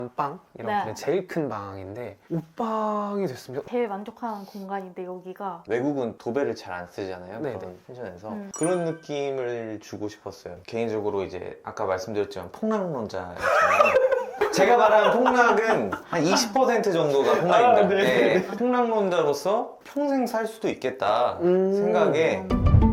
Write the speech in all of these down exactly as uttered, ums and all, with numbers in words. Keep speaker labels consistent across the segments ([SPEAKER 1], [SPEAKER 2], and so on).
[SPEAKER 1] 방 이런
[SPEAKER 2] 네.
[SPEAKER 1] 그냥 제일 큰 방인데 옷방이 됐습니다.
[SPEAKER 2] 제일 만족하는 공간인데 여기가
[SPEAKER 3] 외국은 도배를 잘 안 쓰잖아요.
[SPEAKER 1] 네네.
[SPEAKER 3] 그런 펜션에서
[SPEAKER 2] 음.
[SPEAKER 3] 그런 느낌을 주고 싶었어요. 개인적으로 이제 아까 말씀드렸지만 폭락론자였잖아요. 제가 말한 폭락은 한 이십 퍼센트 정도가 폭락입니다.
[SPEAKER 1] 아, 네.
[SPEAKER 3] 네. 폭락론자로서 평생 살 수도 있겠다
[SPEAKER 1] 음.
[SPEAKER 3] 생각에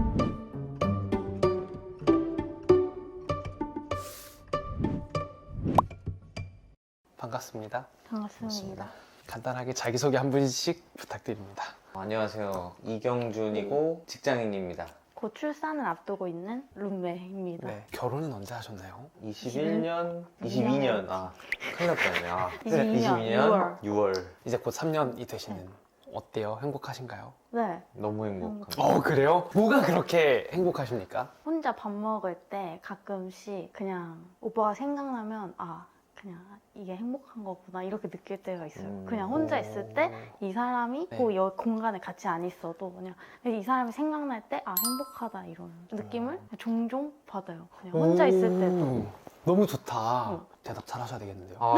[SPEAKER 1] 반갑습니다.
[SPEAKER 2] 반갑습니다.
[SPEAKER 1] 간단하게 자기소개 한 분씩 부탁드립니다.
[SPEAKER 3] 안녕하세요. 이경준이고 직장인입니다.
[SPEAKER 2] 곧 출산을 앞두고 있는 룸메입니다.
[SPEAKER 1] 네. 결혼은 언제 하셨나요?
[SPEAKER 3] 이십일 년, 이십이 년, 아 큰일 날 뻔했네. 아,
[SPEAKER 2] 이십이 년 유월.
[SPEAKER 3] 유월.
[SPEAKER 1] 이제 곧 삼 년이 되시는 어때요? 행복하신가요?
[SPEAKER 2] 네.
[SPEAKER 3] 너무 행복합니다.
[SPEAKER 1] 어 그래요? 뭐가 그렇게 행복하십니까?
[SPEAKER 2] 혼자 밥 먹을 때 가끔씩 그냥 오빠가 생각나면 아 그냥 이게 행복한 거구나 이렇게 느낄 때가 있어요.
[SPEAKER 3] 음.
[SPEAKER 2] 그냥 혼자 있을 때 이 사람이
[SPEAKER 1] 네.
[SPEAKER 2] 꼭 여 공간에 같이 안 있어도 그냥 이 사람이 생각날 때 아 행복하다 이런 느낌을 종종 받아요. 그냥 혼자 있을 때도.
[SPEAKER 1] 오, 너무 좋다.
[SPEAKER 2] 응.
[SPEAKER 1] 대답 잘 하셔야 되겠는데요.
[SPEAKER 3] 아.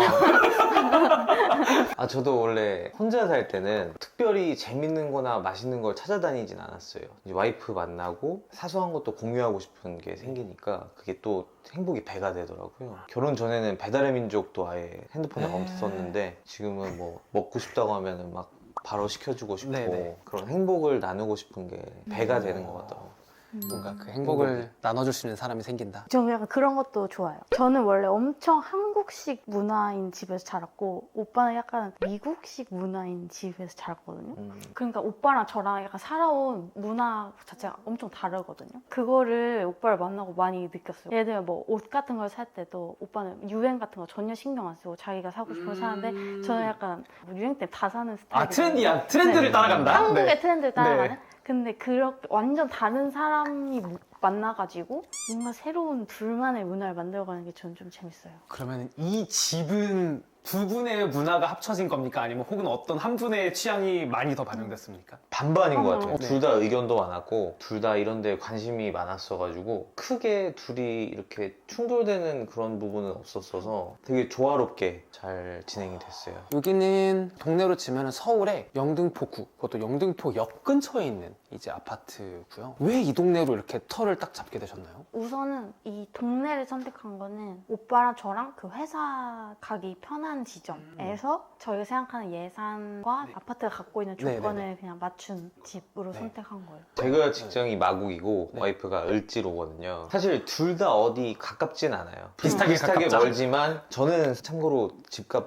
[SPEAKER 3] 아, 저도 원래 혼자 살 때는 특별히 재밌는 거나 맛있는 걸 찾아다니진 않았어요. 이제 와이프 만나고 사소한 것도 공유하고 싶은 게 생기니까 그게 또 행복이 배가 되더라고요. 결혼 전에는 배달의 민족도 아예 핸드폰에
[SPEAKER 1] 네.
[SPEAKER 3] 없었는데 지금은 뭐 먹고 싶다고 하면은 막 바로 시켜주고 싶고
[SPEAKER 1] 네네.
[SPEAKER 3] 그런 행복을 나누고 싶은 게 배가
[SPEAKER 2] 음.
[SPEAKER 3] 되는 것 같더라고요.
[SPEAKER 2] 음.
[SPEAKER 1] 뭔가 그 행복을 나눠줄 수 있는 사람이 생긴다.
[SPEAKER 2] 저는 약간 그런 것도 좋아요. 저는 원래 엄청 한국식 문화인 집에서 자랐고 오빠는 약간 미국식 문화인 집에서 자랐거든요.
[SPEAKER 3] 음.
[SPEAKER 2] 그러니까 오빠랑 저랑 약간 살아온 문화 자체가 엄청 다르거든요. 그거를 오빠를 만나고 많이 느꼈어요. 예를 들면 뭐 옷 같은 걸 살 때도 오빠는 유행 같은 거 전혀 신경 안 쓰고 자기가 사고 싶은 거 사는데 저는 약간 뭐 유행 때 다 사는 스타일.
[SPEAKER 1] 아 트렌디야. 트렌드를
[SPEAKER 2] 네.
[SPEAKER 1] 따라간다.
[SPEAKER 2] 한국의
[SPEAKER 1] 네.
[SPEAKER 2] 트렌드를 따라가는?
[SPEAKER 1] 네.
[SPEAKER 2] 근데 그렇게 완전 다른 사람이 무- 만나가지고 뭔가 새로운 둘만의 문화를 만들어가는 게 저는 좀 재밌어요.
[SPEAKER 1] 그러면 이 집은 두 분의 문화가 합쳐진 겁니까? 아니면 혹은 어떤 한 분의 취향이 많이 더 반영됐습니까?
[SPEAKER 3] 반반인 것 같아요.
[SPEAKER 1] 네.
[SPEAKER 3] 둘 다 의견도 많았고 둘 다 이런 데 관심이 많았어가지고 크게 둘이 이렇게 충돌되는 그런 부분은 없었어서 되게 조화롭게 잘 진행이 됐어요.
[SPEAKER 1] 여기는 동네로 치면 서울의 영등포구, 그것도 영등포역 근처에 있는 이제 아파트고요. 왜 이 동네로 이렇게 터를 딱 잡게 되셨나요?
[SPEAKER 2] 우선은 이 동네를 선택한 거는 오빠랑 저랑 그 회사 가기 편한 지점에서 저희가 생각하는 예산과
[SPEAKER 1] 네.
[SPEAKER 2] 아파트가 갖고 있는
[SPEAKER 1] 네네네.
[SPEAKER 2] 조건을 그냥 맞춘 집으로
[SPEAKER 1] 네.
[SPEAKER 2] 선택한 거예요.
[SPEAKER 3] 제가 직장이 마곡이고
[SPEAKER 1] 네.
[SPEAKER 3] 와이프가 을지로거든요. 사실 둘 다 어디 가깝진 않아요.
[SPEAKER 1] 비슷하게 가깝죠?
[SPEAKER 3] 멀지만 저는 참고로 집값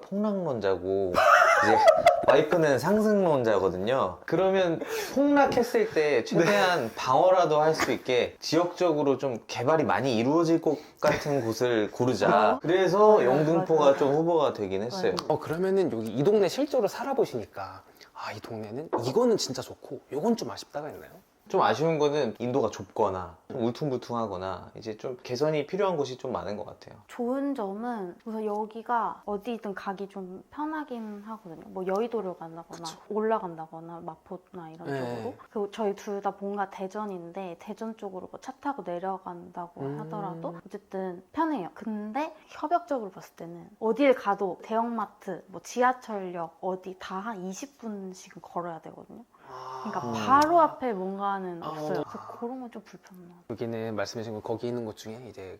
[SPEAKER 3] 폭락론자고 이제 와이프는 상승론자거든요. 그러면 폭락했을 때 최대한 방어라도 할 수 있게 지역적으로 좀 개발이 많이 이루어질 것 같은 곳을 고르자. 그래서
[SPEAKER 2] 맞아,
[SPEAKER 3] 영등포가
[SPEAKER 2] 맞아.
[SPEAKER 3] 좀 후보가 되긴 했어요.
[SPEAKER 2] 맞아.
[SPEAKER 1] 어 그러면은 여기 이 동네 실제로 살아보시니까 아 이 동네는 이거는 진짜 좋고 이건 좀 아쉽다가 있나요?
[SPEAKER 3] 좀 아쉬운 거는 인도가 좁거나 좀 울퉁불퉁하거나 이제 좀 개선이 필요한 곳이 좀 많은 것 같아요.
[SPEAKER 2] 좋은 점은 우선 여기가 어디든 가기 좀 편하긴 하거든요. 뭐 여의도를 간다거나
[SPEAKER 1] 그쵸.
[SPEAKER 2] 올라간다거나 마포나 이런
[SPEAKER 1] 네.
[SPEAKER 2] 쪽으로. 그리고 저희 둘 다 본가 대전인데 대전 쪽으로 뭐 차 타고 내려간다고
[SPEAKER 1] 음.
[SPEAKER 2] 하더라도 어쨌든 편해요. 근데 협력적으로 봤을 때는 어딜 가도 대형마트, 뭐 지하철역 어디 다 한 이십 분씩은 걸어야 되거든요. 그러니까
[SPEAKER 3] 음.
[SPEAKER 2] 바로 앞에 뭔가는
[SPEAKER 1] 아.
[SPEAKER 2] 없어요. 그래서 그런 건 좀 불편해요.
[SPEAKER 1] 여기는 말씀해주신 거 거기 있는 곳 중에 이제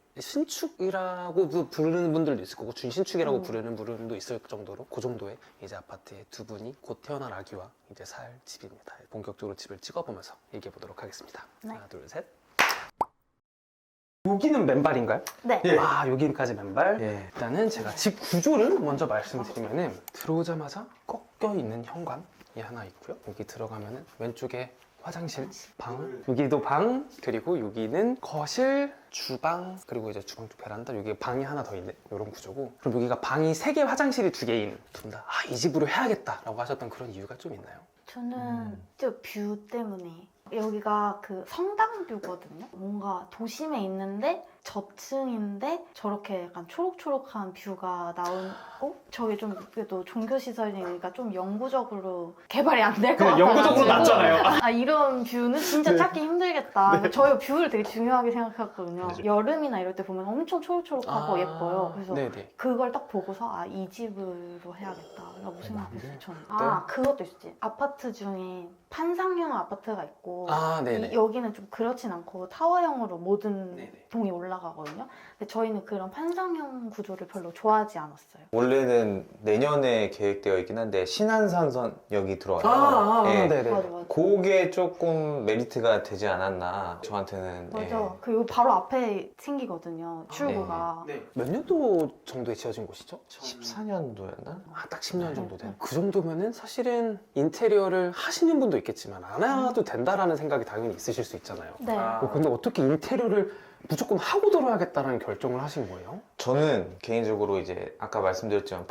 [SPEAKER 1] 신축이라고 부르는 분들도 있을 거고 준신축이라고
[SPEAKER 2] 음.
[SPEAKER 1] 부르는 분들도 있을 정도로 그 정도의 이제 아파트에 두 분이 곧 태어날 아기와 이제 살 집입니다. 본격적으로 집을 찍어보면서 얘기해 보도록 하겠습니다.
[SPEAKER 2] 네.
[SPEAKER 1] 하나 둘 셋. 여기는 맨발인가요?
[SPEAKER 2] 네.
[SPEAKER 3] 예.
[SPEAKER 1] 아 여기까지 맨발.
[SPEAKER 3] 예.
[SPEAKER 1] 일단은 제가 집 구조를 먼저 말씀드리면은 들어오자마자 꺾여 있는 현관이 하나 있고요. 여기 들어가면은 왼쪽에 화장실, 방, 여기도 방, 그리고 여기는 거실, 주방, 그리고 이제 주방 쪽 베란다, 여기 방이 하나 더 있는 이런 구조고, 그럼 여기가 방이 세 개, 화장실이 두 개인 둘 다 아, 이 집으로 해야겠다라고 하셨던 그런 이유가 좀 있나요?
[SPEAKER 2] 저는
[SPEAKER 3] 음.
[SPEAKER 2] 저 뷰 때문에 여기가 그 성당뷰거든요. 뭔가 도심에 있는데 저층인데 저렇게 약간 초록초록한 뷰가 나오고 저게 좀 그래도 종교시설이니까 좀 영구적으로 개발이 안 될 것
[SPEAKER 1] 그냥
[SPEAKER 2] 같아요.
[SPEAKER 1] 영구적으로 낫잖아요.
[SPEAKER 2] 아 이런 뷰는 진짜
[SPEAKER 1] 네.
[SPEAKER 2] 찾기 힘들겠다. 저희 뷰를 되게 중요하게 생각했거든요.
[SPEAKER 3] 맞아요.
[SPEAKER 2] 여름이나 이럴 때 보면 엄청 초록초록하고 예뻐요. 그래서
[SPEAKER 1] 네네.
[SPEAKER 2] 그걸 딱 보고서 아 이 집으로 해야겠다 라고 생각했어요. 저는.
[SPEAKER 1] 네.
[SPEAKER 2] 아 그것도 있지. 아파트 중에 판상형 아파트가 있고
[SPEAKER 1] 아 네네.
[SPEAKER 2] 이- 여기는 좀 그렇진 않고 타워형으로 모든
[SPEAKER 1] 네네.
[SPEAKER 2] 동이 올라가거든요. 근데 저희는 그런 판상형 구조를 별로 좋아하지 않았어요.
[SPEAKER 3] 원래는 내년에 계획되어 있긴 한데 신안산선역이 들어와요.
[SPEAKER 1] 아, 아
[SPEAKER 3] 예.
[SPEAKER 1] 네네.
[SPEAKER 2] 맞아 맞아.
[SPEAKER 3] 그게 조금 메리트가 되지 않았나 저한테는.
[SPEAKER 2] 맞아. 그리고 바로 앞에 생기거든요. 출구가.
[SPEAKER 1] 네. 몇 년도 정도에 지어진 곳이죠?
[SPEAKER 3] 십사 년도였나?
[SPEAKER 1] 아, 딱 십 년
[SPEAKER 2] 네,
[SPEAKER 1] 정도 된.
[SPEAKER 2] 네.
[SPEAKER 1] 그 정도면은 사실은 인테리어를 하시는 분도 있겠지만 안 해도 된다라는 생각이 당연히 있으실 수 있잖아요.
[SPEAKER 2] 네.
[SPEAKER 1] 어, 근데 어떻게 인테리어를 무조건 하고 들어야겠다는 결정을 하신 거예요?
[SPEAKER 3] 저는 개인적으로 이제 아까 말씀드렸지만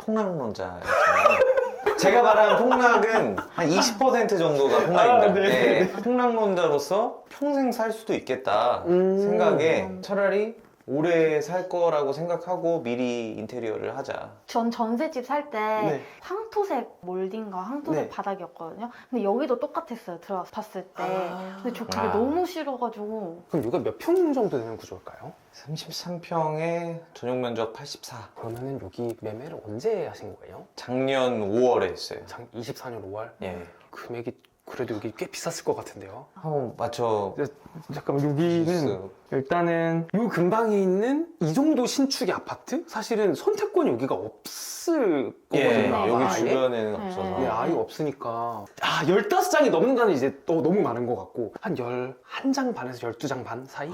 [SPEAKER 3] 폭락론자였잖아요. 제가 말한 폭락은 한 이십 퍼센트 정도가 폭락입니다.
[SPEAKER 1] 아, 네.
[SPEAKER 3] 네. 폭락론자로서 평생 살 수도 있겠다
[SPEAKER 1] 음.
[SPEAKER 3] 생각에 차라리 오래 살 거라고 생각하고 미리 인테리어를 하자.
[SPEAKER 2] 전 전셋집 살 때
[SPEAKER 1] 네.
[SPEAKER 2] 황토색 몰딩과 황토색
[SPEAKER 1] 네.
[SPEAKER 2] 바닥이었거든요. 근데 여기도 똑같았어요. 들어와서 봤을 때.
[SPEAKER 1] 아.
[SPEAKER 2] 근데 저 그게
[SPEAKER 3] 아.
[SPEAKER 2] 너무 싫어가지고
[SPEAKER 1] 그럼 이거 몇 평 정도 되는 구조일까요?
[SPEAKER 3] 삼십삼 평에 전용 면적 팔십사.
[SPEAKER 1] 그러면은 여기 매매를 언제 하신 거예요?
[SPEAKER 3] 작년 오월에 했어요.
[SPEAKER 1] 장 이십사 년 오월?
[SPEAKER 3] 예.
[SPEAKER 1] 금액이 그래도 여기 꽤 비쌌을 것 같은데요.
[SPEAKER 3] 한번 맞춰.
[SPEAKER 1] 잠깐만 여기는
[SPEAKER 3] 주세요.
[SPEAKER 1] 일단은 요 근방에 있는 이 정도 신축의 아파트? 사실은 선택권이 여기가 없을
[SPEAKER 3] 예,
[SPEAKER 1] 거거든요.
[SPEAKER 2] 네.
[SPEAKER 3] 여기
[SPEAKER 1] 아예.
[SPEAKER 3] 주변에는
[SPEAKER 2] 네.
[SPEAKER 3] 없어서.
[SPEAKER 1] 네, 아예 없으니까 아 열다섯 장이 넘는다는 이제 또 너무 많은 것 같고 한 열한 장 반에서 열두 장 반 사이?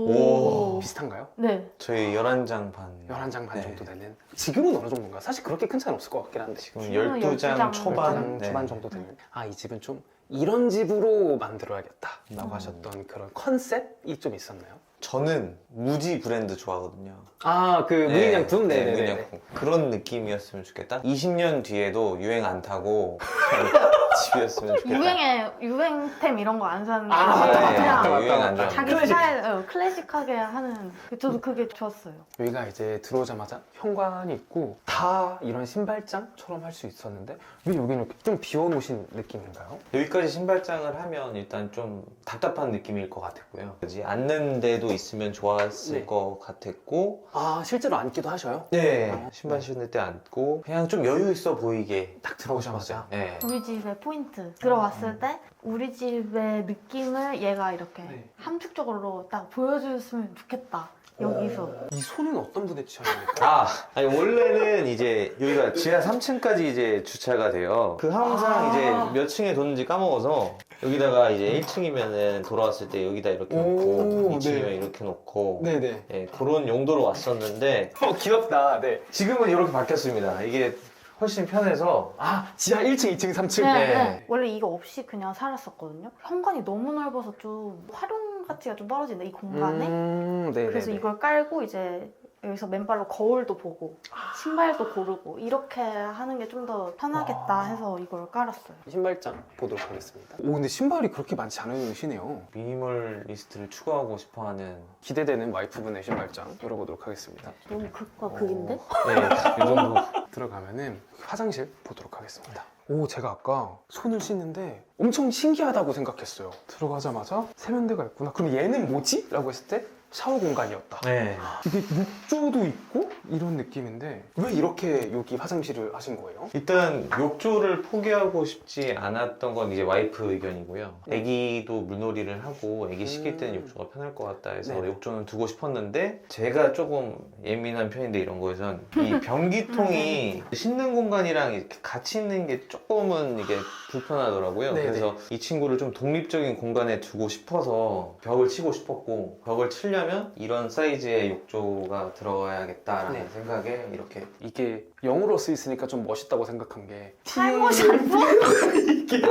[SPEAKER 3] 오.
[SPEAKER 1] 비슷한가요?
[SPEAKER 2] 네.
[SPEAKER 3] 저희 열한 장 반.
[SPEAKER 1] 열한 장 반
[SPEAKER 3] 네.
[SPEAKER 1] 정도 되는 지금은 어느 정도인가? 사실 그렇게 큰 차이는 없을 것 같긴 한데
[SPEAKER 3] 지금
[SPEAKER 2] 지금은
[SPEAKER 3] 열두 장
[SPEAKER 2] 열두 장
[SPEAKER 3] 초반.
[SPEAKER 1] 장
[SPEAKER 3] 네.
[SPEAKER 1] 초반 정도 되는 아 이 집은 좀 이런 집으로 만들어야겠다 라고
[SPEAKER 3] 음.
[SPEAKER 1] 하셨던 그런 컨셉이 좀 있었나요?
[SPEAKER 3] 저는 무지 브랜드 좋아하거든요.
[SPEAKER 1] 아 그
[SPEAKER 3] 네,
[SPEAKER 1] 무인양품?
[SPEAKER 3] 네,
[SPEAKER 1] 네네네.
[SPEAKER 3] 무인양품. 그런 느낌이었으면 좋겠다. 이십 년 뒤에도 유행 안 타고 집이었으면 좋겠다.
[SPEAKER 2] 유행에 유행템 이런 거 안 사는
[SPEAKER 1] 아,
[SPEAKER 2] 거
[SPEAKER 1] 맞다,
[SPEAKER 3] 네,
[SPEAKER 1] 맞다, 맞다,
[SPEAKER 2] 그냥
[SPEAKER 3] 유행
[SPEAKER 1] 맞다.
[SPEAKER 3] 안 좋아.
[SPEAKER 2] 자기
[SPEAKER 1] 클래식.
[SPEAKER 2] 스타일 어, 클래식하게 하는 저도 그게 좋았어요.
[SPEAKER 1] 여기가 이제 들어오자마자 현관이 있고 다 이런 신발장처럼 할 수 있었는데 왜 여기는 이렇게 좀 비워놓으신 느낌인가요?
[SPEAKER 3] 여기까지 신발장을 하면 일단 좀 답답한 느낌일 것 같았고요. 그지 앉는 데도 있으면 좋았을
[SPEAKER 1] 네.
[SPEAKER 3] 것 같았고,
[SPEAKER 1] 아 실제로 앉기도 하셔요?
[SPEAKER 3] 네,
[SPEAKER 1] 어,
[SPEAKER 3] 신발
[SPEAKER 1] 네.
[SPEAKER 3] 신을 때 앉고 그냥 좀 여유 있어 보이게
[SPEAKER 1] 딱 들어오자마자
[SPEAKER 3] 네.
[SPEAKER 2] 우리 집의 포인트 들어왔을 때 우리 집의 느낌을 얘가 이렇게
[SPEAKER 1] 네.
[SPEAKER 2] 함축적으로 딱 보여줬으면 좋겠다. 여기서
[SPEAKER 1] 이 손은 어떤 분의 취향입니까?
[SPEAKER 3] 아, 아니 원래는 이제 여기가 지하 삼 층까지 이제 주차가 돼요. 그 항상
[SPEAKER 1] 아.
[SPEAKER 3] 이제 몇 층에 뒀는지 까먹어서 여기다가 이제 일 층이면은 돌아왔을 때 여기다 이렇게
[SPEAKER 1] 오,
[SPEAKER 3] 놓고 이 층이면
[SPEAKER 1] 네.
[SPEAKER 3] 이렇게 놓고
[SPEAKER 1] 네네.
[SPEAKER 3] 예, 그런 용도로 왔었는데
[SPEAKER 1] 어 귀엽다. 네.
[SPEAKER 3] 지금은 이렇게 바뀌었습니다. 이게 훨씬 편해서
[SPEAKER 1] 아 지하 일 층, 이 층, 삼 층.
[SPEAKER 2] 네,
[SPEAKER 3] 네.
[SPEAKER 2] 네. 원래 이거 없이 그냥 살았었거든요. 현관이 너무 넓어서 좀 활용 가치가 좀 떨어진다 이 공간에.
[SPEAKER 1] 음, 네네.
[SPEAKER 2] 그래서 이걸 깔고 이제 여기서 맨발로 거울도 보고 신발도 고르고 이렇게 하는 게 좀 더 편하겠다
[SPEAKER 1] 아.
[SPEAKER 2] 해서 이걸 깔았어요.
[SPEAKER 1] 신발장 보도록 하겠습니다. 오 근데 신발이 그렇게 많지 않으시네요.
[SPEAKER 3] 미니멀리스트를 추구하고 싶어하는
[SPEAKER 1] 기대되는 와이프분의 신발장 열어보도록 하겠습니다.
[SPEAKER 2] 너무 극과 극인데?
[SPEAKER 3] 네, 이 정도.
[SPEAKER 1] 들어가면은 화장실 보도록 하겠습니다. 오 제가 아까 손을 씻는데 엄청 신기하다고 생각했어요. 들어가자마자 세면대가 있구나. 그럼 얘는 뭐지? 라고 했을 때 샤워 공간이었다.
[SPEAKER 3] 네.
[SPEAKER 1] 이게 욕조도 있고 이런 느낌인데 왜 이렇게 여기 화장실을 하신 거예요?
[SPEAKER 3] 일단 욕조를 포기하고 싶지 않았던 건 이제 와이프 의견이고요.
[SPEAKER 1] 네.
[SPEAKER 3] 아기도 물놀이를 하고 아기 씻길 때는
[SPEAKER 1] 음.
[SPEAKER 3] 욕조가 편할 것 같다 해서
[SPEAKER 1] 네.
[SPEAKER 3] 욕조는 두고 싶었는데 제가 조금 예민한 편인데 이런 거에선 이 변기통이 씻는 공간이랑 이렇게 같이 있는 게 조금은 이게 불편하더라고요.
[SPEAKER 1] 네네.
[SPEAKER 3] 그래서 이 친구를 좀 독립적인 공간에 두고 싶어서 벽을 치고 싶었고 벽을 치려면 이런 사이즈의 욕조가 들어가야겠다라는
[SPEAKER 1] 네.
[SPEAKER 3] 생각에 이렇게
[SPEAKER 1] 이게 영어로 쓰 있으니까 좀 멋있다고 생각한 게
[SPEAKER 2] 탈모시 안 써?
[SPEAKER 1] 이게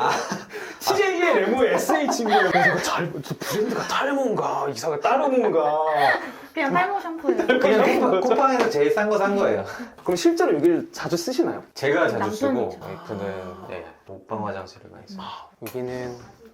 [SPEAKER 1] 티제이의 레모 에스에이치인가요? 그래서 이거 잘, 저 브랜드가 탈모인가 이사가 따르모인가
[SPEAKER 2] 그냥 탈모 샴푸예요.
[SPEAKER 3] 그냥 쿠팡- 쿠팡에서 제일 싼 거 산 거예요.
[SPEAKER 1] 그럼 실제로 여기를 자주 쓰시나요?
[SPEAKER 3] 제가 자주 쓰고
[SPEAKER 2] 남편이죠.
[SPEAKER 3] 와이프는 네, 녹방 화장실을 많이 써요.
[SPEAKER 1] 아, 여기는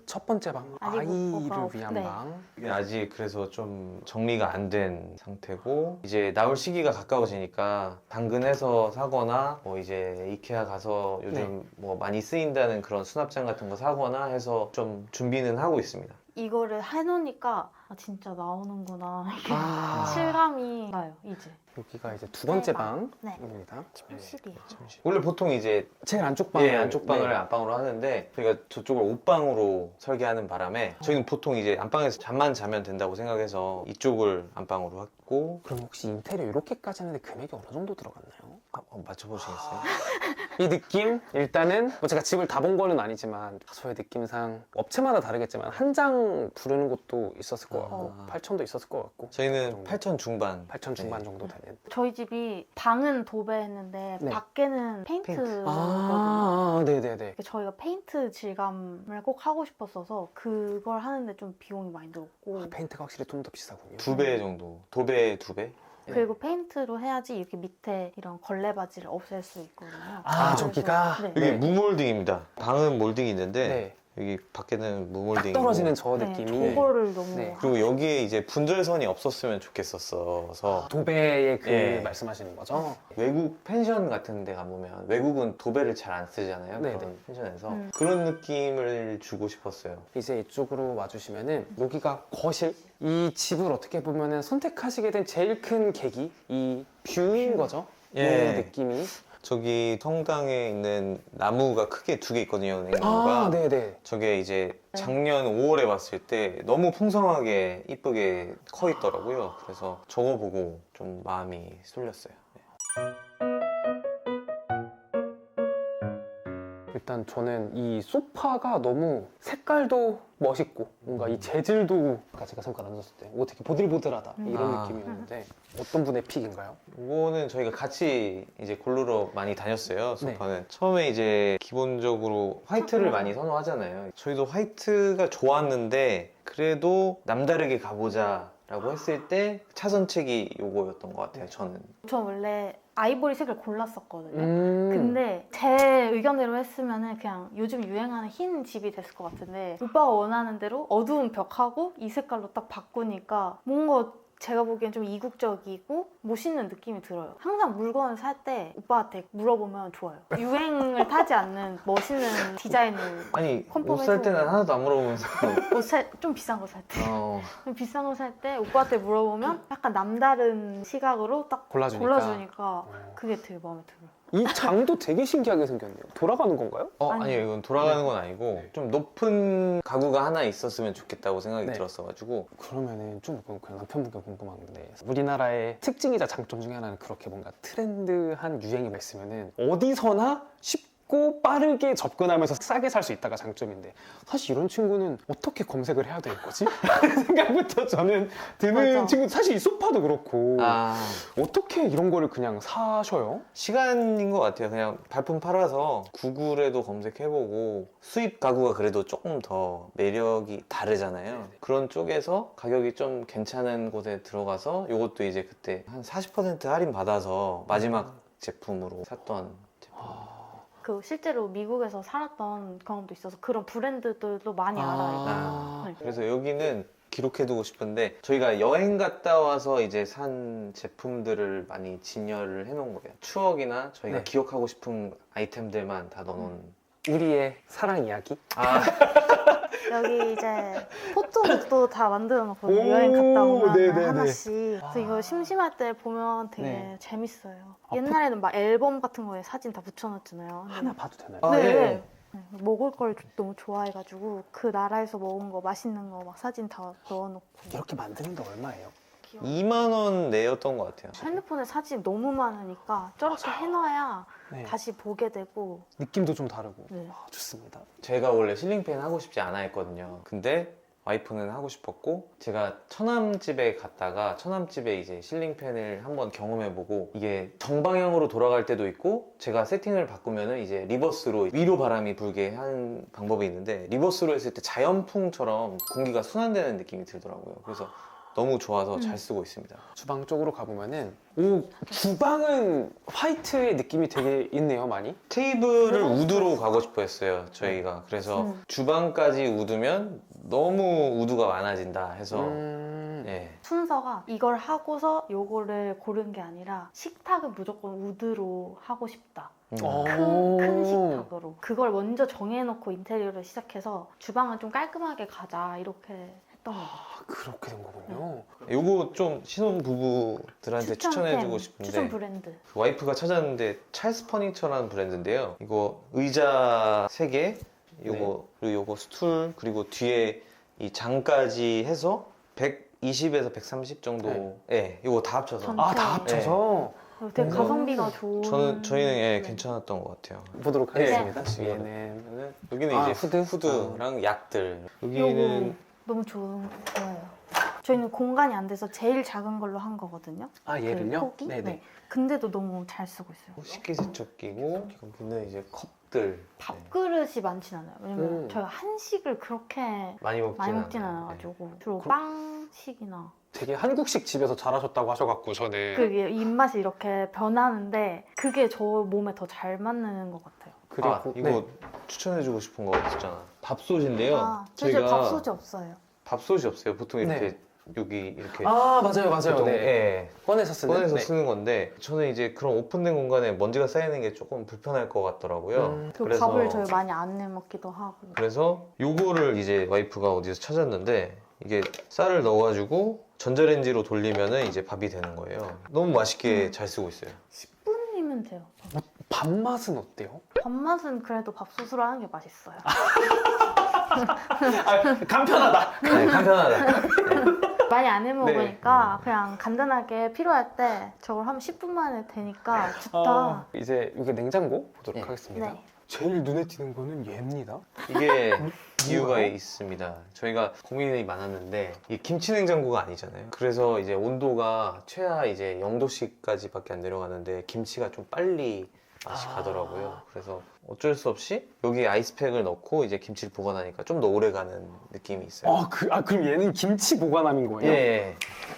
[SPEAKER 1] 첫 번째 방
[SPEAKER 2] 아직
[SPEAKER 1] 아이를
[SPEAKER 2] 오빠가 없-
[SPEAKER 1] 위한
[SPEAKER 2] 네.
[SPEAKER 1] 방.
[SPEAKER 3] 이게 아직 그래서 좀 정리가 안 된 상태고 이제 나올 시기가 가까워지니까 당근해서 사거나 뭐 이제 이케아 가서 요즘
[SPEAKER 1] 네.
[SPEAKER 3] 뭐 많이 쓰인다는 그런 수납장 같은 거 사거나 해서 좀 준비는 하고 있습니다.
[SPEAKER 2] 이거를 해놓으니까 아, 진짜 나오는구나 이렇게
[SPEAKER 1] 아.
[SPEAKER 2] 실감이 나요 이제.
[SPEAKER 1] 여기가 이제 두 번째
[SPEAKER 2] 네, 방.
[SPEAKER 1] 방입니다.
[SPEAKER 2] 침실이에요.
[SPEAKER 3] 원래 보통 이제
[SPEAKER 1] 제일 안쪽 방을
[SPEAKER 3] 예, 안쪽 방을
[SPEAKER 1] 네.
[SPEAKER 3] 안방으로 하는데 저희가 저쪽을 옷방으로 설계하는 바람에 저희는 보통 이제 안방에서 잠만 자면 된다고 생각해서 이쪽을 안방으로 했고
[SPEAKER 1] 그럼 혹시 인테리어 이렇게까지 하는데 금액이 어느 정도 들어갔나요?
[SPEAKER 3] 아, 어, 맞춰보시겠어요?
[SPEAKER 1] 이 느낌? 일단은 뭐 제가 집을 다 본 거는 아니지만 저의 느낌상 업체마다 다르겠지만 한 장 부르는 곳도 있었을 것 같고
[SPEAKER 3] 아.
[SPEAKER 1] 팔천도 있었을 것 같고
[SPEAKER 3] 저희는 팔천 중반
[SPEAKER 1] 팔천 중반
[SPEAKER 3] 네.
[SPEAKER 1] 정도 되는
[SPEAKER 2] 저희 집이 방은 도배했는데
[SPEAKER 1] 네.
[SPEAKER 2] 밖에는 페인트거든요.
[SPEAKER 1] 아, 네네네.
[SPEAKER 2] 저희가 페인트 질감을 꼭 하고 싶었어서 그걸 하는데 좀 비용이 많이 들었고
[SPEAKER 1] 페인트가 확실히 좀 더 비싸군요.
[SPEAKER 3] 두 배 정도 도배 두 배?
[SPEAKER 2] 그리고 페인트로 해야지 이렇게 밑에 이런 걸레바지를 없앨 수 있거든요.
[SPEAKER 1] 아,
[SPEAKER 2] 그래서-
[SPEAKER 1] 저기가?
[SPEAKER 2] 네.
[SPEAKER 3] 여기
[SPEAKER 1] 네.
[SPEAKER 3] 무몰딩입니다. 방은 몰딩이 있는데
[SPEAKER 1] 네.
[SPEAKER 3] 여기 밖에는
[SPEAKER 1] 딱
[SPEAKER 3] 무몰딩
[SPEAKER 1] 떨어지는 저
[SPEAKER 2] 네,
[SPEAKER 1] 느낌이
[SPEAKER 2] 저거를 너무
[SPEAKER 1] 네.
[SPEAKER 3] 그리고 여기에 이제 분절선이 없었으면 좋겠었어서
[SPEAKER 1] 도배의 그
[SPEAKER 3] 예.
[SPEAKER 1] 말씀하시는 거죠?
[SPEAKER 3] 외국 펜션 같은 데 가보면 외국은 도배를 잘 안 쓰잖아요.
[SPEAKER 1] 네네.
[SPEAKER 3] 그런 펜션에서
[SPEAKER 2] 음.
[SPEAKER 3] 그런 느낌을 주고 싶었어요.
[SPEAKER 1] 이제 이쪽으로 와주시면은 여기가 거실. 이 집을 어떻게 보면은 선택하시게 된 제일 큰 계기 이 뷰인 거죠.
[SPEAKER 3] 예.
[SPEAKER 1] 이 느낌이.
[SPEAKER 3] 저기 성당에 있는 나무가 크게 두 개 있거든요. 냉나무가.
[SPEAKER 1] 아, 네네.
[SPEAKER 3] 저게 이제 작년 오월에 봤을 때 너무 풍성하게 이쁘게 커 있더라고요. 그래서 저거 보고 좀 마음이 쏠렸어요. 네.
[SPEAKER 1] 일단 저는 이 소파가 너무 색깔도 멋있고 뭔가 이 재질도 아까 제가 잠깐 앉았을 때 어떻게 보들보들하다 이런
[SPEAKER 3] 아.
[SPEAKER 1] 느낌이었는데 어떤 분의 픽인가요?
[SPEAKER 3] 이거는 저희가 같이 이제 고르러 많이 다녔어요. 소파는 처음에 이제 기본적으로 화이트를 많이 선호하잖아요. 저희도 화이트가 좋았는데 그래도 남다르게 가보자 라고 했을 때 차선책이 요거였던 것 같아요. 저는.
[SPEAKER 2] 저 원래 아이보리색을 골랐었거든요.
[SPEAKER 1] 음.
[SPEAKER 2] 근데 제 의견대로 했으면은 그냥 요즘 유행하는 흰 집이 됐을 것 같은데 오빠가 원하는 대로 어두운 벽하고 이 색깔로 딱 바꾸니까 뭔가 제가 보기엔 좀 이국적이고 멋있는 느낌이 들어요. 항상 물건을 살 때 오빠한테 물어보면 좋아요. 유행을 타지 않는 멋있는 디자인을
[SPEAKER 3] 아니 옷
[SPEAKER 2] 컨펌해서
[SPEAKER 3] 살 때는 하나도 안 물어보면서
[SPEAKER 2] 옷 살, 좀 비싼 거 살 때.
[SPEAKER 3] 어,
[SPEAKER 2] 좀 비싼 거 살 때 오빠한테 물어보면 약간 남다른 시각으로 딱
[SPEAKER 1] 골라주니까.
[SPEAKER 2] 골라주니까
[SPEAKER 1] 어.
[SPEAKER 2] 그게 되게 마음에 들어요.
[SPEAKER 1] 이 장도 되게 신기하게 생겼네요. 돌아가는 건가요?
[SPEAKER 3] 어
[SPEAKER 2] 아니.
[SPEAKER 3] 아니요 이건 돌아가는 건 아니고 좀 높은 가구가 하나 있었으면 좋겠다고 생각이
[SPEAKER 1] 네.
[SPEAKER 3] 들었어가지고
[SPEAKER 1] 그러면은 좀 그냥 남편분께 궁금한 건데 우리나라의 특징이자 장점 중에 하나는 그렇게 뭔가 트렌드한 유행이 있으면은 어디서나 쉽고 빠르게 접근하면서 싸게 살 수 있다가 장점인데 사실 이런 친구는 어떻게 검색을 해야 될 거지? 라는 생각부터 저는 드는
[SPEAKER 2] 맞아.
[SPEAKER 1] 친구 사실 이 소파도 그렇고
[SPEAKER 3] 아
[SPEAKER 1] 어떻게 이런 거를 그냥 사셔요?
[SPEAKER 3] 시간인 것 같아요. 그냥 발품 팔아서 구글에도 검색해보고 수입 가구가 그래도 조금 더 매력이 다르잖아요. 그런 쪽에서 가격이 좀 괜찮은 곳에 들어가서 이것도 이제 그때 한 사십 퍼센트 할인 받아서 마지막 제품으로 샀던 제품.
[SPEAKER 2] 그 실제로 미국에서 살았던 경험도 있어서 그런 브랜드들도 많이 알아요.
[SPEAKER 1] 아.
[SPEAKER 2] 네.
[SPEAKER 3] 그래서 여기는 기록해두고 싶은데 저희가 여행 갔다 와서 이제 산 제품들을 많이 진열을 해놓은 거예요. 추억이나 저희가
[SPEAKER 1] 네.
[SPEAKER 3] 기억하고 싶은 아이템들만 다 넣어놓은.
[SPEAKER 1] 우리의 사랑 이야기?
[SPEAKER 3] 아
[SPEAKER 2] 여기 이제 포토북도 다 만들어 놓거든요.
[SPEAKER 1] 오,
[SPEAKER 2] 여행 갔다 오면
[SPEAKER 1] 네네네.
[SPEAKER 2] 하나씩. 그래서
[SPEAKER 1] 아.
[SPEAKER 2] 이거 심심할 때 보면 되게
[SPEAKER 1] 네.
[SPEAKER 2] 재밌어요.
[SPEAKER 1] 아,
[SPEAKER 2] 옛날에는 막 앨범 같은 거에 사진 다 붙여놨잖아요. 근데
[SPEAKER 1] 하나 봐도 되나요?
[SPEAKER 3] 아,
[SPEAKER 2] 네.
[SPEAKER 3] 예.
[SPEAKER 2] 네. 먹을 걸 너무 좋아해가지고 그 나라에서 먹은 거 맛있는 거 막 사진 다 넣어놓고
[SPEAKER 1] 이렇게 만드는데 얼마예요?
[SPEAKER 2] 귀여워.
[SPEAKER 3] 이만 원 내였던 것 같아요.
[SPEAKER 2] 핸드폰에 사진 너무 많으니까 저렇게 해놔야
[SPEAKER 1] 네.
[SPEAKER 2] 다시 보게 되고
[SPEAKER 1] 느낌도 좀 다르고
[SPEAKER 2] 네.
[SPEAKER 1] 아, 좋습니다.
[SPEAKER 3] 제가 원래 실링팬 하고 싶지 않아 했거든요. 근데 와이프는 하고 싶었고 제가 처남집에 갔다가 처남집에 이제 실링팬을 한번 경험해보고 이게 정방향으로 돌아갈 때도 있고 제가 세팅을 바꾸면은 이제 리버스로 위로 바람이 불게 하는 방법이 있는데 리버스로 했을 때 자연풍처럼 공기가 순환되는 느낌이 들더라고요. 그래서 너무 좋아서
[SPEAKER 2] 음.
[SPEAKER 3] 잘 쓰고 있습니다.
[SPEAKER 1] 주방 쪽으로 가보면은 오 주방은 화이트의 느낌이 되게 있네요, 많이.
[SPEAKER 3] 테이블을 우드로 가고 싶어 했어요, 저희가. 그래서
[SPEAKER 2] 음.
[SPEAKER 3] 주방까지 우드면 너무 우드가 많아진다 해서
[SPEAKER 1] 음...
[SPEAKER 3] 네.
[SPEAKER 2] 순서가 이걸 하고서 요거를 고른 게 아니라 식탁은 무조건 우드로 하고 싶다.
[SPEAKER 3] 음.
[SPEAKER 1] 어.
[SPEAKER 2] 큰, 큰 식탁으로. 그걸 먼저 정해놓고 인테리어를 시작해서 주방은 좀 깔끔하게 가자 이렇게 했던 것 같아요.
[SPEAKER 1] 아, 그렇게 된 거군요.
[SPEAKER 3] 요거 좀 신혼 부부들한테 추천해주고
[SPEAKER 2] 추천
[SPEAKER 3] 싶은데
[SPEAKER 2] 브랜드.
[SPEAKER 3] 그 와이프가 찾았는데 찰스 퍼니처라는 브랜드인데요. 이거 의자 세 개, 요거 그리고 요거 스툴 그리고 뒤에 이 장까지 해서 백이십에서 백삼십 정도.
[SPEAKER 1] 네.
[SPEAKER 3] 예, 요거 다 합쳐서.
[SPEAKER 2] 전체.
[SPEAKER 1] 아, 다 합쳐서
[SPEAKER 2] 되게
[SPEAKER 1] 음.
[SPEAKER 2] 가성비가 좋은.
[SPEAKER 3] 저는 저희는 예,
[SPEAKER 2] 네.
[SPEAKER 3] 괜찮았던 것 같아요.
[SPEAKER 1] 보도록
[SPEAKER 3] 네.
[SPEAKER 1] 하겠습니다.
[SPEAKER 3] 네.
[SPEAKER 1] 뒤에는
[SPEAKER 3] 여기는
[SPEAKER 1] 아,
[SPEAKER 3] 이제
[SPEAKER 1] 후드?
[SPEAKER 3] 후드랑 약들.
[SPEAKER 2] 요거
[SPEAKER 3] 여기는
[SPEAKER 2] 너무 좋은 거예요. 저희는 공간이 안 돼서 제일 작은 걸로 한 거거든요.
[SPEAKER 1] 아
[SPEAKER 2] 그
[SPEAKER 1] 얘를요?
[SPEAKER 2] 폭이?
[SPEAKER 1] 네네.
[SPEAKER 2] 네. 근데도 너무 잘 쓰고 있어요.
[SPEAKER 3] 식기세척기고 여기는 이제 컵들. 네.
[SPEAKER 2] 밥그릇이 많진 않아요. 왜냐면
[SPEAKER 1] 음.
[SPEAKER 2] 저희가 한식을 그렇게
[SPEAKER 3] 많이 먹진
[SPEAKER 2] 많이 먹진
[SPEAKER 3] 않아요.
[SPEAKER 2] 않아가지고 주로
[SPEAKER 1] 그-
[SPEAKER 2] 빵식이나
[SPEAKER 1] 되게 한국식 집에서 자라셨다고 하셔갖고 저는
[SPEAKER 2] 그게 입맛이 이렇게 변하는데 그게 저 몸에 더 잘 맞는 것 같아요.
[SPEAKER 1] 그리고
[SPEAKER 3] 아, 이거
[SPEAKER 1] 네.
[SPEAKER 3] 추천해주고 싶은 거 있잖아. 밥솥인데요.
[SPEAKER 2] 아, 저희 밥솥이 없어요.
[SPEAKER 3] 밥솥이 없어요. 보통 이렇게
[SPEAKER 1] 네.
[SPEAKER 3] 여기 이렇게
[SPEAKER 1] 아 맞아요 맞아요.
[SPEAKER 3] 보통,
[SPEAKER 1] 네.
[SPEAKER 3] 예,
[SPEAKER 1] 꺼내서 쓰는.
[SPEAKER 3] 꺼내서
[SPEAKER 1] 네.
[SPEAKER 3] 쓰는 건데 저는 이제 그런 오픈된 공간에 먼지가 쌓이는 게 조금 불편할 것 같더라고요.
[SPEAKER 1] 음.
[SPEAKER 2] 그리고
[SPEAKER 3] 그래서-
[SPEAKER 2] 밥을 저희 많이 안 내먹기도 하고.
[SPEAKER 3] 그래서 요거를 이제 와이프가 어디서 찾았는데 이게 쌀을 넣어가지고 전자레인지로 돌리면은 이제 밥이 되는 거예요. 너무 맛있게
[SPEAKER 2] 음.
[SPEAKER 3] 잘 쓰고 있어요.
[SPEAKER 2] 십 분이면 돼요.
[SPEAKER 1] 밥맛은 어때요?
[SPEAKER 2] 밥맛은 그래도 밥솥으로 하는 게 맛있어요.
[SPEAKER 1] 아, 간편하다.
[SPEAKER 3] 네, 간편하다.
[SPEAKER 2] 많이 안 해먹으니까
[SPEAKER 3] 네.
[SPEAKER 2] 그냥 간단하게 필요할 때 저걸 하면 십 분 만에 되니까 좋다.
[SPEAKER 1] 어, 이제 이게 냉장고 보도록
[SPEAKER 3] 네.
[SPEAKER 1] 하겠습니다.
[SPEAKER 2] 네.
[SPEAKER 1] 제일 눈에 띄는 거는 얘입니다.
[SPEAKER 3] 이게 이유가
[SPEAKER 1] 뭐가요?
[SPEAKER 3] 있습니다. 저희가 고민이 많았는데 이 김치 냉장고가 아니잖아요. 그래서 이제 온도가 최하 이제 영 도씨까지밖에 안 내려가는데 김치가 좀 빨리 맛이
[SPEAKER 1] 아.
[SPEAKER 3] 가더라고요. 그래서 어쩔 수 없이 여기 아이스팩을 넣고 이제 김치를 보관하니까 좀 더 오래 가는 느낌이 있어요.
[SPEAKER 1] 아, 그, 아 그럼 얘는 김치 보관함인 거예요?
[SPEAKER 3] 예.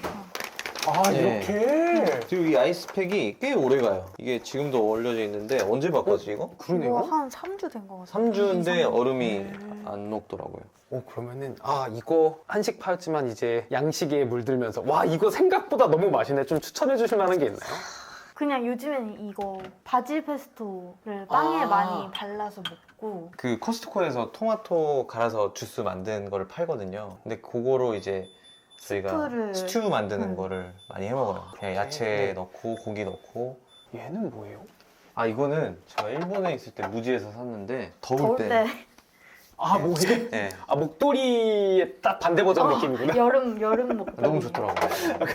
[SPEAKER 1] 아
[SPEAKER 3] 예.
[SPEAKER 1] 이렇게?
[SPEAKER 3] 그리고 이 아이스팩이 꽤 오래 가요. 이게 지금도 얼려져 있는데 언제 바꿨지 이거?
[SPEAKER 1] 그러네요.
[SPEAKER 2] 이거 한 삼 주 된 것 같아요.
[SPEAKER 3] 삼 주인데
[SPEAKER 2] 삼 주.
[SPEAKER 3] 얼음이
[SPEAKER 1] 음.
[SPEAKER 3] 안 녹더라고요.
[SPEAKER 1] 오 그러면은 아 이거 한식 파였지만 이제 양식에 물들면서 와 이거 생각보다 너무 맛있네. 좀 추천해 주실 만한 게 있나요?
[SPEAKER 2] 그냥 요즘에는 이거 바질 페스토를 빵에
[SPEAKER 1] 아.
[SPEAKER 2] 많이 발라서 먹고
[SPEAKER 3] 그 코스트코에서 토마토 갈아서 주스 만든 거를 팔거든요. 근데 그거로 이제 저희가
[SPEAKER 2] 스프를-
[SPEAKER 3] 스튜 만드는
[SPEAKER 2] 음.
[SPEAKER 3] 거를 많이 해 먹어요. 그냥 야채
[SPEAKER 1] 네.
[SPEAKER 3] 넣고 고기 넣고.
[SPEAKER 1] 얘는 뭐예요?
[SPEAKER 3] 아 이거는 제가 일본에 있을 때 무지에서 샀는데 더울,
[SPEAKER 2] 더울
[SPEAKER 3] 때.
[SPEAKER 2] 때
[SPEAKER 1] 아 뭐지?
[SPEAKER 3] 네.
[SPEAKER 1] 아 목도리의 딱 반대 버전
[SPEAKER 2] 어,
[SPEAKER 1] 느낌이구나.
[SPEAKER 2] 여름 여름 먹
[SPEAKER 3] 너무 좋더라고요.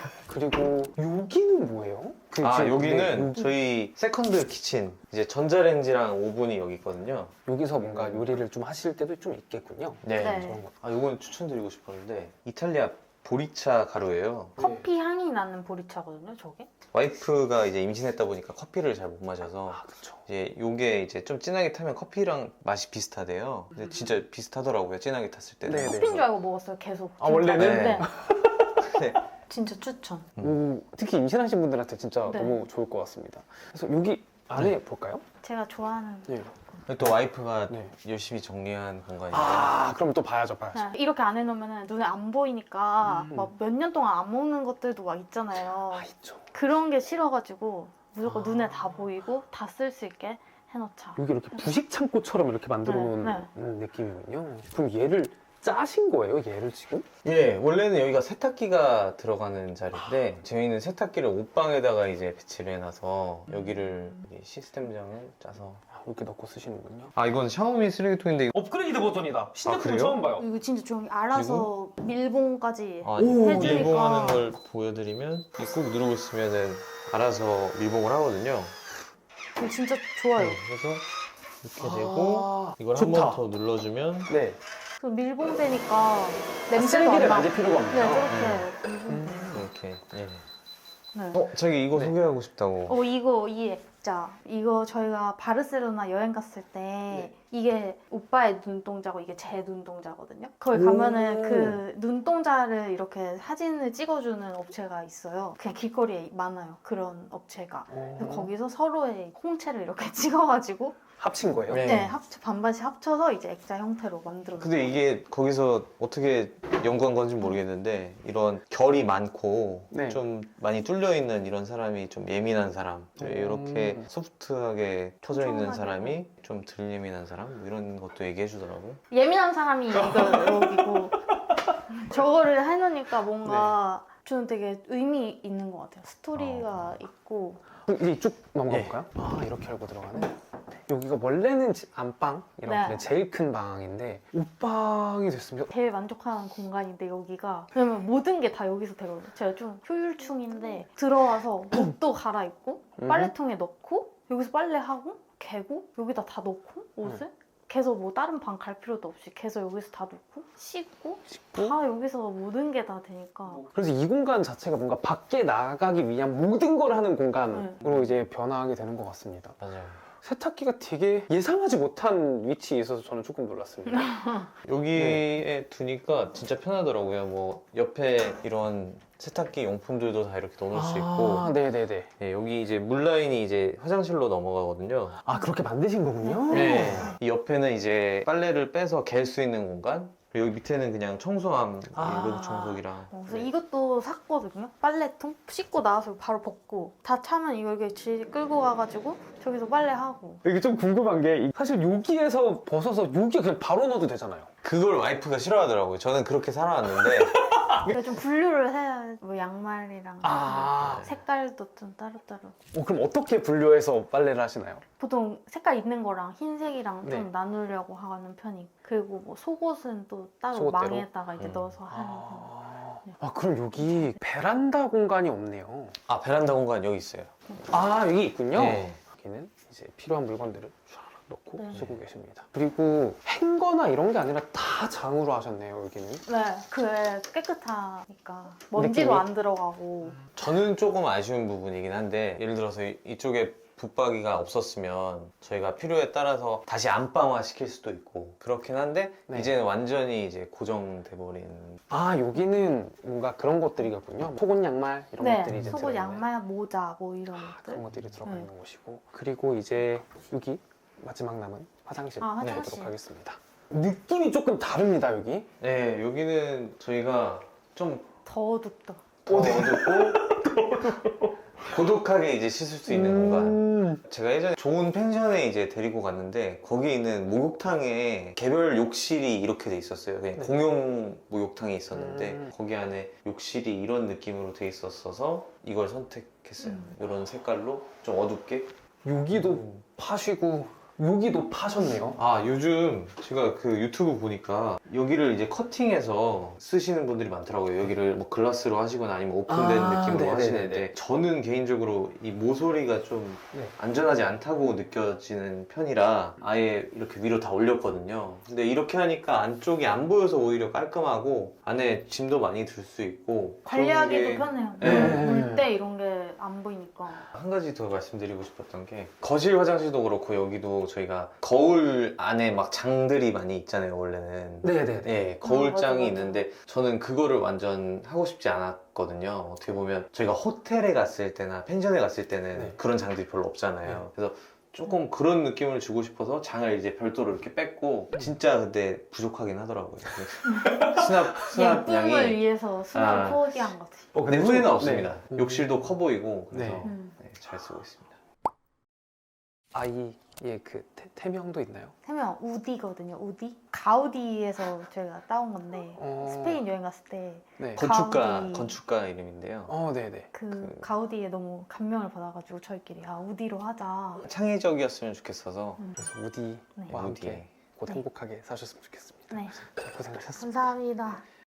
[SPEAKER 1] 그리고 여기는 뭐예요? 그
[SPEAKER 3] 아
[SPEAKER 1] 지금-
[SPEAKER 3] 여기는
[SPEAKER 1] 네, 여기-
[SPEAKER 3] 저희 세컨드 키친 이제 전자레인지랑 오븐이 여기 있거든요.
[SPEAKER 1] 여기서 뭔가 요리를 좀 하실 때도 좀 있겠군요.
[SPEAKER 3] 네.
[SPEAKER 2] 네.
[SPEAKER 1] 저런 거.
[SPEAKER 3] 아 요건 추천드리고 싶었는데 이탈리아 보리차 가루예요.
[SPEAKER 2] 커피 향이 나는 보리차거든요, 저게.
[SPEAKER 3] 와이프가 이제 임신했다 보니까 커피를 잘 못 마셔서
[SPEAKER 1] 아 그쵸.
[SPEAKER 3] 이제 요게 이제 좀 진하게 타면 커피랑 맛이 비슷하대요. 근데 진짜 비슷하더라고요. 진하게 탔을 때는.
[SPEAKER 1] 네네.
[SPEAKER 2] 커피인 줄 알고 먹었어요, 계속.
[SPEAKER 1] 아, 원래는?
[SPEAKER 2] 네.
[SPEAKER 3] 네.
[SPEAKER 2] 진짜 추천.
[SPEAKER 1] 오, 특히 임신하신 분들한테 진짜
[SPEAKER 2] 네.
[SPEAKER 1] 너무 좋을 것 같습니다. 그래서 여기 안에 볼까요?
[SPEAKER 2] 제가 좋아하는.
[SPEAKER 1] 네.
[SPEAKER 3] 또 와이프가
[SPEAKER 1] 네.
[SPEAKER 3] 열심히 정리한 공간인데
[SPEAKER 1] 아 그럼 또 봐야죠, 봐야죠.
[SPEAKER 2] 그냥 이렇게 안 해놓으면 눈에 안 보이니까
[SPEAKER 1] 음.
[SPEAKER 2] 막 몇 년 동안 안 먹는 것들도 막 있잖아요.
[SPEAKER 1] 아 있죠.
[SPEAKER 2] 그런 게 싫어가지고 무조건
[SPEAKER 1] 아.
[SPEAKER 2] 눈에 다 보이고 다 쓸 수 있게 해놓자.
[SPEAKER 1] 여기 이렇게 부식 창고처럼 이렇게 만들어 놓은
[SPEAKER 2] 네,
[SPEAKER 1] 음, 느낌이군요. 그럼 얘를 짜신 거예요, 얘를 지금?
[SPEAKER 3] 예, 원래는 여기가 세탁기가 들어가는 자리인데 저희는 세탁기를 옷방에다가 이제 배치를 해놔서 여기를 이제 시스템장을 짜서
[SPEAKER 1] 아, 이렇게 넣고 쓰시는군요.
[SPEAKER 3] 아 이건 샤오미 쓰레기통인데 이거-
[SPEAKER 1] 업그레이드 버전이다.
[SPEAKER 3] 신제품 그래요? 처음
[SPEAKER 1] 봐요.
[SPEAKER 2] 이거 진짜 조용히 알아서 밀봉까지
[SPEAKER 3] 아,
[SPEAKER 1] 오,
[SPEAKER 2] 해주니까.
[SPEAKER 3] 밀봉하는 걸 보여드리면 이꾹 누르고 있으면은 알아서 밀봉을 하거든요.
[SPEAKER 2] 이거 진짜 좋아요.
[SPEAKER 3] 네, 그래서 이렇게 되고
[SPEAKER 1] 아,
[SPEAKER 3] 이걸 한
[SPEAKER 1] 좋다.
[SPEAKER 3] 번 더 눌러주면
[SPEAKER 1] 네.
[SPEAKER 2] 그 밀봉되니까 냄새도
[SPEAKER 1] 쓰레기를
[SPEAKER 2] 안 나.
[SPEAKER 1] 만질 필요가
[SPEAKER 2] 네,
[SPEAKER 1] 없네요.
[SPEAKER 2] 저렇게 밀봉.
[SPEAKER 1] 음.
[SPEAKER 3] 이렇게 예.
[SPEAKER 2] 네.
[SPEAKER 3] 어? 자기 이거
[SPEAKER 1] 네.
[SPEAKER 3] 소개하고 싶다고.
[SPEAKER 2] 어 이거 이해. 액자. 이거 저희가 바르셀로나 여행 갔을 때
[SPEAKER 1] 네.
[SPEAKER 2] 이게 오빠의 눈동자고 이게 제 눈동자거든요. 거기
[SPEAKER 1] 오.
[SPEAKER 2] 가면은 그 눈동자를 이렇게 사진을 찍어주는 업체가 있어요. 그냥 길거리에 많아요. 그런 업체가. 그래서 거기서 서로의 홍채를 이렇게 찍어가지고
[SPEAKER 1] 합친 거예요?
[SPEAKER 3] 네.
[SPEAKER 2] 네, 합쳐, 반반씩 합쳐서 이제 액자 형태로 만들어요.
[SPEAKER 3] 근데 이게 거기서 어떻게 연구한 건지 모르겠는데 이런 결이 많고
[SPEAKER 1] 네.
[SPEAKER 3] 좀 많이 뚫려 있는 이런 사람이 좀 예민한 사람,
[SPEAKER 1] 음.
[SPEAKER 3] 이렇게 소프트하게 터져 있는
[SPEAKER 2] 촘촘하게.
[SPEAKER 3] 사람이 좀 덜 예민한 사람, 뭐 이런 것도 얘기해 주더라고요.
[SPEAKER 2] 예민한 사람이 이거 여기고 저거를 해놓으니까 뭔가 저는 되게 의미 있는 것 같아요. 스토리가 있고.
[SPEAKER 1] 그럼 이제 쭉 넘어가
[SPEAKER 3] 예.
[SPEAKER 1] 볼까요? 아 이렇게 열고 들어가는. 여기가 원래는 지- 안방 이렇게
[SPEAKER 2] 네.
[SPEAKER 1] 제일 큰 방인데 옷방이 됐습니다.
[SPEAKER 2] 제일 만족하는 공간인데 여기가 왜냐면 모든 게 다 여기서 되거든요. 제가 좀 효율충인데 들어와서 옷도 갈아입고
[SPEAKER 1] 음.
[SPEAKER 2] 빨래통에 넣고 여기서 빨래하고 개고 여기다 다 넣고 옷을 계속 뭐 다른 방 갈 필요도 없이 계속 여기서 다 넣고 씻고
[SPEAKER 1] 씻고?
[SPEAKER 2] 다 여기서 모든 게 다 되니까
[SPEAKER 1] 그래서 이 공간 자체가 뭔가 밖에 나가기 위한 모든 걸 하는 공간으로 이제 변화하게 되는 것 같습니다.
[SPEAKER 3] 맞아요.
[SPEAKER 1] 세탁기가 되게 예상하지 못한 위치에 있어서 저는 조금 놀랐습니다.
[SPEAKER 3] 여기에 두니까 진짜 편하더라고요. 뭐 옆에 이런 세탁기 용품들도 다 이렇게 넣어놓을 수 있고,
[SPEAKER 1] 아, 네네네.
[SPEAKER 3] 네, 여기 이제 물 라인이 이제 화장실로 넘어가거든요.
[SPEAKER 1] 아 그렇게 만드신 거군요?
[SPEAKER 3] 네. 이 옆에는 이제 빨래를 빼서 갤 수 있는 공간. 그리고 여기 밑에는 그냥 청소함,
[SPEAKER 1] 아.
[SPEAKER 3] 로드 청소기랑.
[SPEAKER 2] 어, 그래서
[SPEAKER 3] 네.
[SPEAKER 2] 이것도 샀거든요. 빨래통 씻고 나와서 바로 벗고 다 차면 이거 이렇게 질 끌고 가가지고 저기서 빨래하고.
[SPEAKER 1] 이게 좀 궁금한 게 사실 여기에서 벗어서 여기에 그냥 바로 넣어도 되잖아요.
[SPEAKER 3] 그걸 와이프가 싫어하더라고요. 저는 그렇게 살아왔는데.
[SPEAKER 2] 그래서 좀 분류를 해야 뭐 양말이랑
[SPEAKER 1] 아,
[SPEAKER 2] 색깔도 좀 따로따로.
[SPEAKER 1] 어, 그럼 어떻게 분류해서 빨래를 하시나요?
[SPEAKER 2] 보통 색깔 있는 거랑 흰색이랑
[SPEAKER 1] 네.
[SPEAKER 2] 좀 나누려고 하는 편이. 그리고 뭐 속옷은 또 따로
[SPEAKER 1] 속옷대로?
[SPEAKER 2] 망에다가 이제
[SPEAKER 3] 음.
[SPEAKER 2] 넣어서 하는 편.
[SPEAKER 1] 아, 아 그럼 여기 베란다 공간이 없네요.
[SPEAKER 3] 아, 베란다 공간 여기 있어요.
[SPEAKER 1] 아 여기 있군요.
[SPEAKER 3] 네.
[SPEAKER 1] 여기는 이제 필요한 물건들을 쫙 넣고
[SPEAKER 2] 네.
[SPEAKER 1] 쓰고 계십니다. 그리고 행거나 이런 게 아니라 다 장으로 하셨네요 여기는.
[SPEAKER 2] 네, 그게 깨끗하니까 먼지도
[SPEAKER 1] 느낌이?
[SPEAKER 2] 안 들어가고.
[SPEAKER 3] 저는 조금 아쉬운 부분이긴 한데, 예를 들어서 이- 이쪽에 붙박이가 없었으면 저희가 필요에 따라서 다시 안방화 시킬 수도 있고 그렇긴 한데,
[SPEAKER 1] 네.
[SPEAKER 3] 이제는 완전히 이제 고정돼 버린.
[SPEAKER 1] 아 여기는 뭔가 그런 것들이겠군요. 속옷 양말 이런
[SPEAKER 2] 네,
[SPEAKER 1] 것들이 이제
[SPEAKER 2] 속옷,
[SPEAKER 1] 들어있네.
[SPEAKER 2] 양말, 모자 뭐 이런
[SPEAKER 1] 아,
[SPEAKER 2] 것들.
[SPEAKER 1] 그런 것들이 들어가
[SPEAKER 2] 네.
[SPEAKER 1] 있는 곳이고 그리고 이제 여기 마지막 남은 화장실
[SPEAKER 2] 아, 화장실.
[SPEAKER 1] 보도록 하겠습니다. 느낌이 조금 다릅니다 여기.
[SPEAKER 3] 네, 여기는 저희가 좀
[SPEAKER 2] 더 어둡다.
[SPEAKER 3] 더 어둡고 고독하게 이제 씻을 수 있는 공간.
[SPEAKER 1] 음.
[SPEAKER 3] 제가 예전에 좋은 펜션에 이제 데리고 갔는데 거기 있는 목욕탕에 개별 욕실이 이렇게 돼 있었어요. 그냥
[SPEAKER 1] 네.
[SPEAKER 3] 공용 목욕탕이 있었는데
[SPEAKER 1] 음.
[SPEAKER 3] 거기 안에 욕실이 이런 느낌으로 돼 있었어서 이걸 선택했어요.
[SPEAKER 2] 음.
[SPEAKER 3] 이런 색깔로 좀 어둡게.
[SPEAKER 1] 여기도 파시고 여기도 파셨네요.
[SPEAKER 3] 아, 요즘 제가 그 유튜브 보니까 여기를 이제 커팅해서 쓰시는 분들이 많더라고요. 여기를 뭐 글라스로 하시거나 아니면 오픈된
[SPEAKER 1] 아,
[SPEAKER 3] 느낌으로
[SPEAKER 1] 네네네네.
[SPEAKER 3] 하시는데, 저는 개인적으로 이 모서리가 좀
[SPEAKER 1] 네.
[SPEAKER 3] 안전하지 않다고 느껴지는 편이라 아예 이렇게 위로 다 올렸거든요. 근데 이렇게 하니까 안쪽이 안 보여서 오히려 깔끔하고 안에 짐도 많이 들 수 있고
[SPEAKER 2] 관리하기도
[SPEAKER 3] 그런 게-
[SPEAKER 2] 편해요.
[SPEAKER 3] 네.
[SPEAKER 2] 물때 이런 게 안 보이니까.
[SPEAKER 3] 한 가지 더 말씀드리고 싶었던 게, 거실 화장실도 그렇고 여기도 저희가 거울 안에 막 장들이 많이 있잖아요 원래는.
[SPEAKER 1] 네네네.
[SPEAKER 3] 네,
[SPEAKER 2] 아,
[SPEAKER 3] 거울장이
[SPEAKER 2] 맞아, 맞아.
[SPEAKER 3] 있는데 저는 그거를 완전 하고 싶지 않았거든요. 어떻게 보면 저희가 호텔에 갔을 때나 펜션에 갔을 때는
[SPEAKER 1] 네.
[SPEAKER 3] 그런 장들이 별로 없잖아요. 그래서 조금 그런 느낌을 주고 싶어서 장을 이제 별도로 이렇게 뺐고, 진짜 근데 부족하긴 하더라고요. 수납, 수납
[SPEAKER 2] 예쁨을
[SPEAKER 3] 양이.
[SPEAKER 2] 위해서 수납
[SPEAKER 3] 아.
[SPEAKER 2] 포기한 거지.
[SPEAKER 1] 어,
[SPEAKER 3] 근데
[SPEAKER 1] 좀-
[SPEAKER 3] 후회는
[SPEAKER 1] 네.
[SPEAKER 3] 없습니다.
[SPEAKER 1] 음.
[SPEAKER 3] 욕실도 커 보이고 그래서
[SPEAKER 1] 네.
[SPEAKER 2] 음.
[SPEAKER 3] 네, 잘 쓰고 있습니다.
[SPEAKER 1] 아이의 그 태, 태명도 있나요?
[SPEAKER 2] 세명 우디거든요. 우디. 가우디에서 저희가 따온 건데
[SPEAKER 1] 어.
[SPEAKER 2] 스페인 여행 갔을 때 그
[SPEAKER 1] 네.
[SPEAKER 3] 건축가
[SPEAKER 2] 가우디.
[SPEAKER 3] 건축가 이름인데요.
[SPEAKER 1] 어, 네네.
[SPEAKER 2] 그
[SPEAKER 3] 그-
[SPEAKER 2] 가우디에 너무 감명을 받아가지고 저희끼리 아 우디로 하자.
[SPEAKER 3] 창의적이었으면 좋겠어서
[SPEAKER 2] 음.
[SPEAKER 1] 그래서 우디와
[SPEAKER 2] 네.
[SPEAKER 1] 함께
[SPEAKER 3] 우디에.
[SPEAKER 1] 곧
[SPEAKER 2] 네.
[SPEAKER 1] 행복하게 사셨으면 좋겠습니다.
[SPEAKER 2] 네.
[SPEAKER 1] 자, 고생하셨습니다.
[SPEAKER 2] 감사합니다.